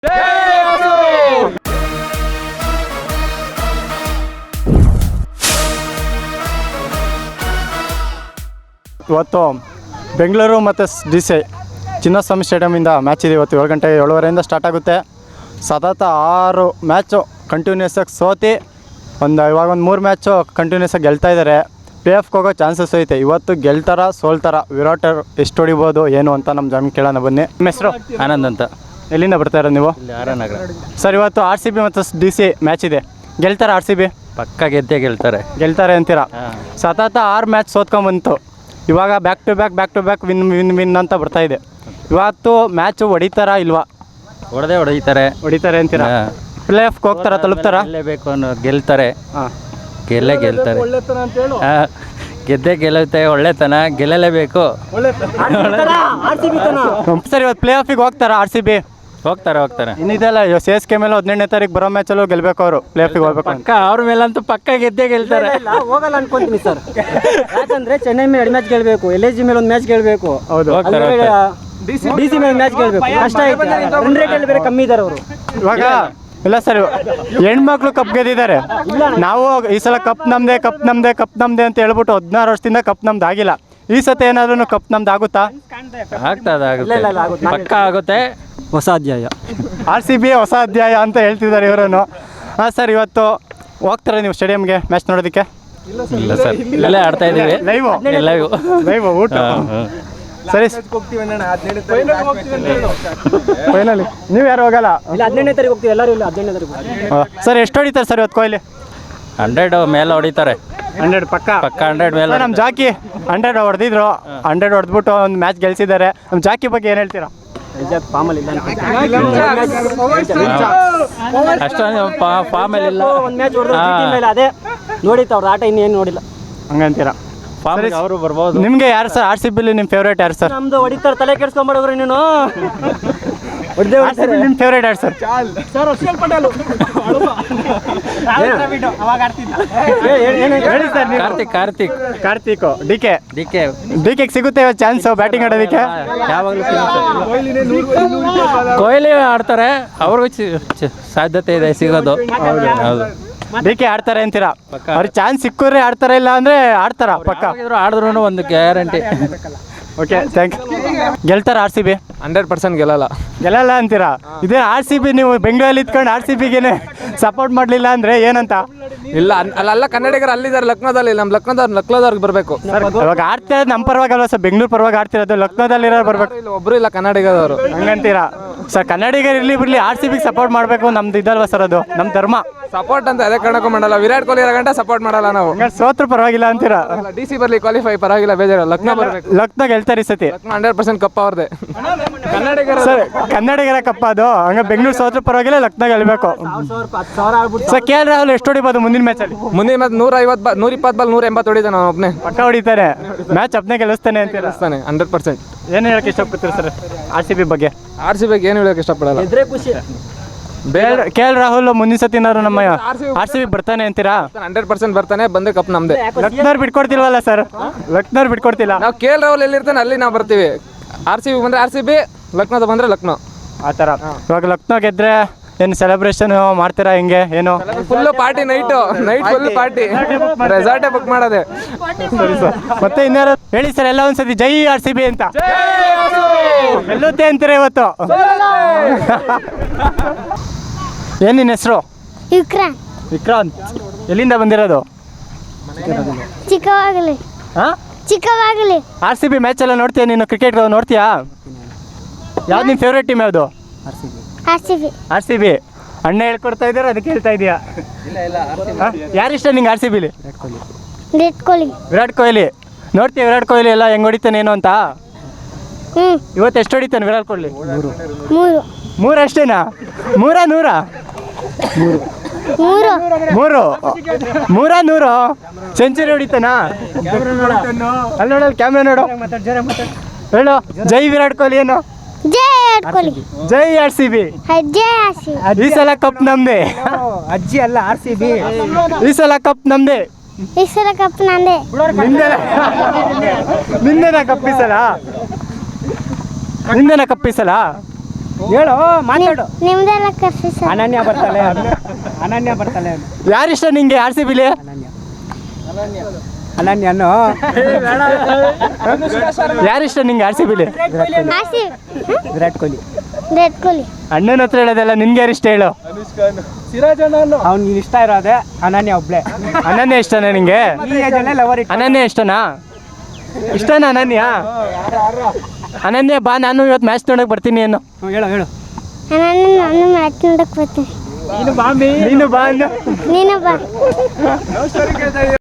ಇವತ್ತು ಬೆಂಗಳೂರು ಮತ್ತು DC Chinnaswamy ಸ್ಟೇಡಿಯಮಿಂದ match ಇದೆ. ಇವತ್ತು 7 ಗಂಟೆ 7:30 ಸ್ಟಾರ್ಟ್ ಆಗುತ್ತೆ. ಸತತ 6 ಮ್ಯಾಚು ಕಂಟಿನ್ಯೂಸ್ ಆಗಿ ಸೋತಿ ಇವಾಗ 3 ಮ್ಯಾಚು ಕಂಟಿನ್ಯೂಸ್ ಆಗಿ ಗೆಲ್ತಾ ಇದ್ದಾರೆ. ಪ್ಲೇ ಆಫ್ಗೆ ಹೋಗೋ ಚಾನ್ಸಸ್ ಐತೆ. ಇವತ್ತು ಗೆಲ್ತಾರ ಸೋಲ್ತಾರ, ವಿರಾಟ್ ಎಷ್ಟು ಹೊಡಿಬೋದು ಏನು ಅಂತ ನಮ್ಮ ಜನ ಕೇಳೋಣ ಬನ್ನಿ. ನಿಮ್ಮ ಹೆಸರು? ಆನಂದ್ ಅಂತ. ಎಲ್ಲಿಂದ ಬರ್ತಾ ಇರೋದು ನೀವು? ಆರನಗರ. ಸರ್, ಇವತ್ತು RCB ಮತ್ತು DC ಮ್ಯಾಚ್ ಇದೆ. ಗೆಲ್ತಾರ RCB? ಪಕ್ಕ ಗೆದ್ದೇ ಗೆಲ್ತಾರೆ ಅಂತೀರಾ? ಸತತ 6 ಮ್ಯಾಚ್ ಸೋತ್ಕೊಂಡ್ಬಂತು. ಇವಾಗ ಬ್ಯಾಕ್ ಟು ಬ್ಯಾಕ್ ವಿನ್ ಅಂತ ಬರ್ತಾ ಇದೆ. ಇವತ್ತು ಮ್ಯಾಚು ಹೊಡಿತಾರಾ ಇಲ್ವಾ? ಹೊಡಿತಾರೆ ಅಂತೀರಾ? ಪ್ಲೇ ಆಫ್ಗೆ ಹೋಗ್ತಾರ, ತಲುಪ್ತಾರ? ಬೇಕು ಅನ್ನೋ ಗೆಲ್ತಾರೆ. ಗೆಲ್ತಾರೆ. ಗೆದ್ದೇ ಗೆಲ್ಲುತ್ತೆ. ಒಳ್ಳೆತನ ಗೆಲ್ಲಲೇಬೇಕು. ಸರ್, ಇವತ್ತು ಪ್ಲೇ ಆಫಿಗೆ ಹೋಗ್ತಾರ RCB? ಹೋಗ್ತಾರೆ. ಇನ್ನಿದೆಲ್ಲ CSK ಮೇಲೆ 18ನೇ ತಾರೀಕು ಬರೋ ಮ್ಯಾಚಲ್ಲೂ ಗೆಲ್ಬೇಕು. ಅವರು ಪ್ಲೇ ಆಫಿಗೆ ಹೋಗ್ಬೇಕು. ಪಕ್ಕ ಅವ್ರ ಮೇಲಂತೂ ಪಕ್ಕ ಗೆದ್ದೇ ಗೆಲ್ತಾರೆ. ಹೋಗಲ್ಲ ಅನ್ಕೊಂತೀನಿ ಸರ್. ಯಾಕಂದ್ರೆ ಚೆನ್ನೈ ಮೇಲೆ 2 ಮ್ಯಾಚ್ ಗೆಲ್ಬೇಕು, LSG ಮೇಲೆ 1 ಮ್ಯಾಚ್ ಗೆಲ್ಬೇಕು, ಹೌದು. DC ಮೇಲೆ ಮ್ಯಾಚ್ ಗೆಲ್ಬೇಕು. ಕಷ್ಟ ಐತೆ. ರನ್ ರೇಟ್ ಬೇರೆ ಕಮ್ಮಿ ಇದ್ದಾರೆ ಅವರು. ಇವಾಗ ಇಲ್ಲ ಸರ್, ಹೆಣ್ಮಕ್ಳು ಕಪ್ ಗೆದ್ದಿದ್ದಾರೆ. ನಾವು ಈ ಸಲ ಕಪ್ ನಮ್ದೆ ಅಂತ ಹೇಳ್ಬಿಟ್ಟು 16 ವರ್ಷದಿಂದ ಕಪ್ ನಮ್ದು ಆಗಿಲ್ಲ. ಈ ಸತಿ ಏನಾದ್ರೂ ಕಪ್ ನಮ್ದು ಆಗುತ್ತಾ? ಪಕ್ಕ ಆಗುತ್ತೆ. ಹೊಸ ಅಧ್ಯಾಯ. RCB ಹೊಸ ಅಧ್ಯಾಯ ಅಂತ ಹೇಳ್ತಿದ್ದಾರೆ ಇವರನ್ನು. ಹಾಂ ಸರ್, ಇವತ್ತು ಹೋಗ್ತಾರೆ ನೀವು ಸ್ಟೇಡಿಯಂಗೆ ಮ್ಯಾಚ್ ನೋಡೋದಕ್ಕೆ? ಇಲ್ಲ ಸರ್, ಇಲ್ಲೇ ಆಡ್ತಾ ಇದ್ದೀವಿ. ಲೈವ್ ಊಟ. ಸರಿ, ಫೈನಲಿ ನೀವು ಯಾರು ಹೋಗಲ್ಲ? ಇಲ್ಲ, 17ನೇ ತಾರೀಕು ಹೋಗ್ತೀವಿ ಎಲ್ಲರೂ. ಇಲ್ಲ, 17ನೇ ತಾರೀಕು. ಸರ್, ಎಷ್ಟು ಹೊಡಿತಾರೆ ಸರ್ ಇವತ್ತು ಕೊಹ್ಲಿ? 100 ಮೇಲೆ ಹೊಡಿತಾರೆ. 100 ಪಕ್ಕ 100 ಮೇಲೆ. ನಮ್ಮ ಜಾಕಿ 100 ಹೊಡೆದಿದ್ರು. 100 ಹೊಡೆದ್ಬಿಟ್ಟು ಒಂದು ಮ್ಯಾಚ್ ಗೆಲ್ಸಿದ್ದಾರೆ. ನಮ್ಮ ಜಾಕಿ ಬಗ್ಗೆ ಏನು ಹೇಳ್ತೀರಾ? ಅಷ್ಟೊಂದು ಫಾರ್ಮಲ್ಲಿ ಇಲ್ಲ. ಒಂದು ಮ್ಯಾಚ್ ಹೊಡೆದ್ರೆ ಅದೇ ನೋಡಿತ್ತು ಅವ್ರ ಆಟ, ಇನ್ನೇನು ನೋಡಿಲ್ಲ ಹಂಗಂತೀರಾ? ಅವರು ಬರ್ಬೋದು. ನಿಮಗೆ ಯಾರು ಸರ್ RCB ನಿಮ್ಮ ಫೇವ್ರೇಟ್ ಯಾರು ಸರ್? ನಮ್ದು ಹೊಡಿತಾರೆ, ತಲೆ ಕೆಡ್ಸ್ಕೊಂಡ್ಬಿಡೋರು ನೀನು. ನಿಮ್ಮ ಫೇವ್ರೇಟ್ ಯಾರು ಸರ್? ಕಾರ್ತಿಕ್. DK ಸಿಗುತ್ತೆ ಚಾನ್ಸ್ ಬ್ಯಾಟಿಂಗ್ ಆಡೋದಕ್ಕೆ? ಯಾವಾಗಲೂ ಕೊಹ್ಲಿ ಆಡ್ತಾರೆ. ಅವ್ರಿಗೂ ಸಾಧ್ಯತೆ ಇದೆ ಸಿಗೋದು. ಹೌದು. DK ಆಡ್ತಾರೆ ಅಂತೀರಾ? ಅವ್ರಿಗೆ ಚಾನ್ಸ್ ಸಿಕ್ಕಿದ್ರೆ ಆಡ್ತಾರೆ, ಇಲ್ಲ ಅಂದ್ರೆ ಆಡ್ತಾರ ಪಕ್ಕ? ಆಡಿದ್ರು ಒಂದು ಗ್ಯಾರಂಟಿ. Okay, thank you. ಗೆಲ್ತಾರ RCB? 100% ಗೆಲ್ಲಲ್ಲ ಅಂತೀರಾ? ಇದೇ RCB ನೀವು ಬೆಂಗಳೂರಲ್ಲಿ ಇದ್ಕೊಂಡು RCBಗೆ ಸಪೋರ್ಟ್ ಮಾಡಲಿಲ್ಲ ಅಂದ್ರೆ ಏನಂತ? ಇಲ್ಲ, ಅಲ್ಲ ಕನ್ನಡಿಗರು ಅಲ್ಲಿದ್ದಾರೆ ಲಕ್ನೋದಲ್ಲಿ. ನಮ್ಮ ಲಕ್ನೋದವ್ರಿಗೆ ಬರಬೇಕು. ಇವಾಗ ಆಡ್ತಿರೋದು ನಮ್ಮ ಪರವಾಗಿ ಅಲ್ವಾ ಸರ್? ಬೆಂಗಳೂರು ಪರವಾಗಿ ಆಡ್ತಿರೋದು, ಲಕ್ನೋದಲ್ಲಿರೋ ಬರ್ಬೇಕು. ಒಬ್ರು ಇಲ್ಲ ಕನ್ನಡಿಗದವರು. ಹಂಗಂತೀರಾ ಸರ್? ಕನ್ನಡಿಗರು ಇರ್ಲಿ ಬಿಡ್ಲಿ, RCBಗೆ ಸಪೋರ್ಟ್ ಮಾಡಬೇಕು. ನಮ್ದು ಇದಲ್ವಾ ಸರ್, ಅದು ನಮ್ಮ ಧರ್ಮ. ಸಪೋರ್ಟ್ ಅಂತ ಅದೇ ಕಾರಣಕ್ಕೂ ಮಾಡಲ್ಲ. ವಿರಾಟ್ ಕೊಹ್ಲಿ ಇರೋ ಗಂಟೆ ಸಪೋರ್ಟ್ ಮಾಡಲ್ಲ ನಾವು. ಸೋತ್ರ ಪರವಾಗಿಲ್ಲ ಅಂತೀರಾ? DC ಬರ್ಲಿ, ಕ್ವಾಲಿಫೈ ಪರವಾಗಿಲ್ಲ, ಬೇಜಾರು. ಲಕ್ನೋ ಬರಬೇಕು. ಲಕ್ನೋ ಗೆಲ್ತಾರೆ ಈ ಸತಿ. 100% ಕಪ್ ಅವ್ರದೇ. ಕನ್ನಡಿಗರ ಕಪ್ಪ ಅದು. ಹಂಗ ಬೆಂಗಳೂರು ಸೋತ್ರ ಪರವಾಗಿಲ್ಲ, ಲಕ್ನೋ ಗೆಲ್ಬೇಕು. ಸರ್, KL ರಾಹುಲ್ ಎಷ್ಟು ಹೊಡಿಬೋದು ಮುಂದಿನ ಮ್ಯಾಚಲ್ಲಿ? ಮುಂದಿನ ಮ್ಯಾಚ್ 120 ಬಾಲ್ 180 ಹೊಡಿತಾನೆ ನಾನು ಒಬ್ಬನೇ. ಪಕ್ಕ ಹೊಡಿತಾರೆ. ಮ್ಯಾಚ್ ಅಪ್ನೇ ಗೆಲ್ಲಿಸ್ತಾನೆ ಅಂತೀರಾ? 100%. ಏನು ಹೇಳಕ್ಕೆ ಇಷ್ಟಪಡ್ತೀರಿ ಸರ್ RCB ಬಗ್ಗೆ? RCB ಏನು ಹೇಳಕ್ಕೆ ಇಷ್ಟಪಡಲ್ಲ. KL ರಾಹುಲ್ ಮುಂದಿನ ಸತಿ ಏನಾದ್ರು ನಮ್ಮ RCB ಬರ್ತಾನೆ ಅಂತೀರಾ? 100% ಬರ್ತಾನೆ. ಬಂದ್ರೆ ಕಪ್ ನಮ್ದೆ. ಲಕ್ನೋರ್ ಬಿಟ್ಕೊಡ್ತಿಲ್ವಲ್ಲ ಸರ್? ಲಕ್ನೋರ್ ಬಿಟ್ಕೊಡ್ತಿಲ್ಲ. ನಾವು KL ರಾಹುಲ್ ಎಲ್ಲಿರ್ತಾನೆ ಅಲ್ಲಿ ನಾವು ಬರ್ತೀವಿ. RCB ಬಂದ್ರೆ RCB, ಲಕ್ನೋದ ಬಂದ್ರೆ ಲಕ್ನೋ, ಆ ಥರ. ಇವಾಗ ಲಕ್ನೋ ಗೆದ್ರೆ ಏನು ಸೆಲೆಬ್ರೇಷನ್ ಮಾಡ್ತೀರಾ? ಹೆಂಗೆ ಏನು? Full party. Night full party. ರೆಸಾರ್ಟೇ ಬುಕ್ ಮಾಡೋದೆ. ಸರಿ ಸರ್. ಮತ್ತೆ ಇನ್ಯಾರು ಹೇಳಿ ಸರ್, ಎಲ್ಲ ಒಂದ್ಸತಿ ಜೈ RCB ಅಂತ ಗೆಲ್ಲುತ್ತೆ ಅಂತೀರಾ ಇವತ್ತು? ಏನ್ ನಿನ್ನ ಹೆಸರು? ವಿಕ್ರಾಂತ್. ಎಲ್ಲಿಂದ ಬಂದಿರೋದು? ಚಿಕ್ಕವಾಗಲಿ. RCB ಮ್ಯಾಚ್ ಎಲ್ಲ ನೋಡ್ತೀಯ ನೀನು? ಕ್ರಿಕೆಟ್ ನೋಡ್ತೀಯಾ? ಯಾವ್ದು ನಿಮ್ಮ ಫೇವ್ರೇಟ್ ಟೀಮ್ ಯಾವುದು? RCB. ಅಣ್ಣ ಹೇಳ್ಕೊಡ್ತಾ ಇದ್ದಾರೆ, ಅದಕ್ಕೆ ಹೇಳ್ತಾ ಇದೀಯಾ? ಯಾರಿಷ್ಟ ನಿಂಗೆ RCBಲಿ? ವಿರಾಟ್ ಕೊಹ್ಲಿ. ನೋಡ್ತೀಯ ವಿರಾಟ್ ಕೊಹ್ಲಿ ಎಲ್ಲ ಹೆಂಗ್ ಹೊಡಿತಾನೆ ಏನು ಅಂತ? ಇವತ್ತು ಎಷ್ಟು ಹೊಡಿತಾನೆ ವಿರಾಟ್ ಕೊಹ್ಲಿ? 3 ಅಷ್ಟೇನಾ? 100 ಸೆಂಚುರಿ ಹೊಡಿತಾನಾ? ಅಲ್ಲಿ ನೋಡಲ್ಲ, ಕ್ಯಾಮ್ರಾ ನೋಡು, ಹೇಳು ಜೈ ವಿರಾಟ್ ಕೊಹ್ಲಿ. ಏನು ಜೈ RCB. ಈ ಸಲ ಕಪ್ ನಮ್ದೆ. ಅಜ್ಜಿ ಅಲ್ಲ, RCB. ಈ ಸಲ ಕಪ್ ನಮ್ದೆ. ನಿಂದೇನ ಕಪ್ಪಿಸಲ? ಹೇಳು ಮಾತಾಡು. ನಿಮ್ದೆಲ್ಲ ಕರ್ಸಿ ಸರ್. ಅನನ್ಯ ಬರ್ತಾಳೆ ಅನನ್ಯ ಬರ್ತಾಳೆ ಯಾರಿಷ್ಟ ನಿಂಗೆ ಆರ್ ಸಿ ಬಿಲಿ? ಅನನ್ಯನು ಯಾರಿಷ್ಟ ನಿಂಗೆ ಆರ್ ಸಿ ಬಿಲಿ? ಆರ್ಸಿ ವಿರಾಟ್ ಕೊಹ್ಲಿ. ವಿರಾಟ್ ಕೊಹ್ಲಿ. ಅಣ್ಣನ ಹತ್ರ ಹೇಳೋದಲ್ಲ, ನಿನ್ಗೆ ಯಾರಿಷ್ಟ ಹೇಳು? ಅವ್ನಿಗೆ ಇಷ್ಟ ಇರೋದೆ ಅನನ್ಯ ಒಬ್ಳೆ. ಅನನ್ಯ ಇಷ್ಟನಾ ನಿಂಗೆ? ಈ ಏಜಲ್ಲೇ ಲವರ್ ಇಟ್ಟು ಅನನ್ಯ ಇಷ್ಟನಾ? ಇಷ್ಟನಾ ಅನನ್ಯ? ಅನನ್ಯ ಬಾ, ನಾನು ಇವತ್ತು ಮ್ಯಾಚ್ ನೋಡಕ್ ಬರ್ತೀನಿ ಏನು? ಹೇಳು ಹೇಳು. ನಾನು ಮ್ಯಾಚ್ ನೋಡಕ್ ಬರ್ತೀನಿ. ನೀನು ಬಾಂಬಿ ನೀನು ಬಾ ಅಂದು. ನೀನು ಬಾ.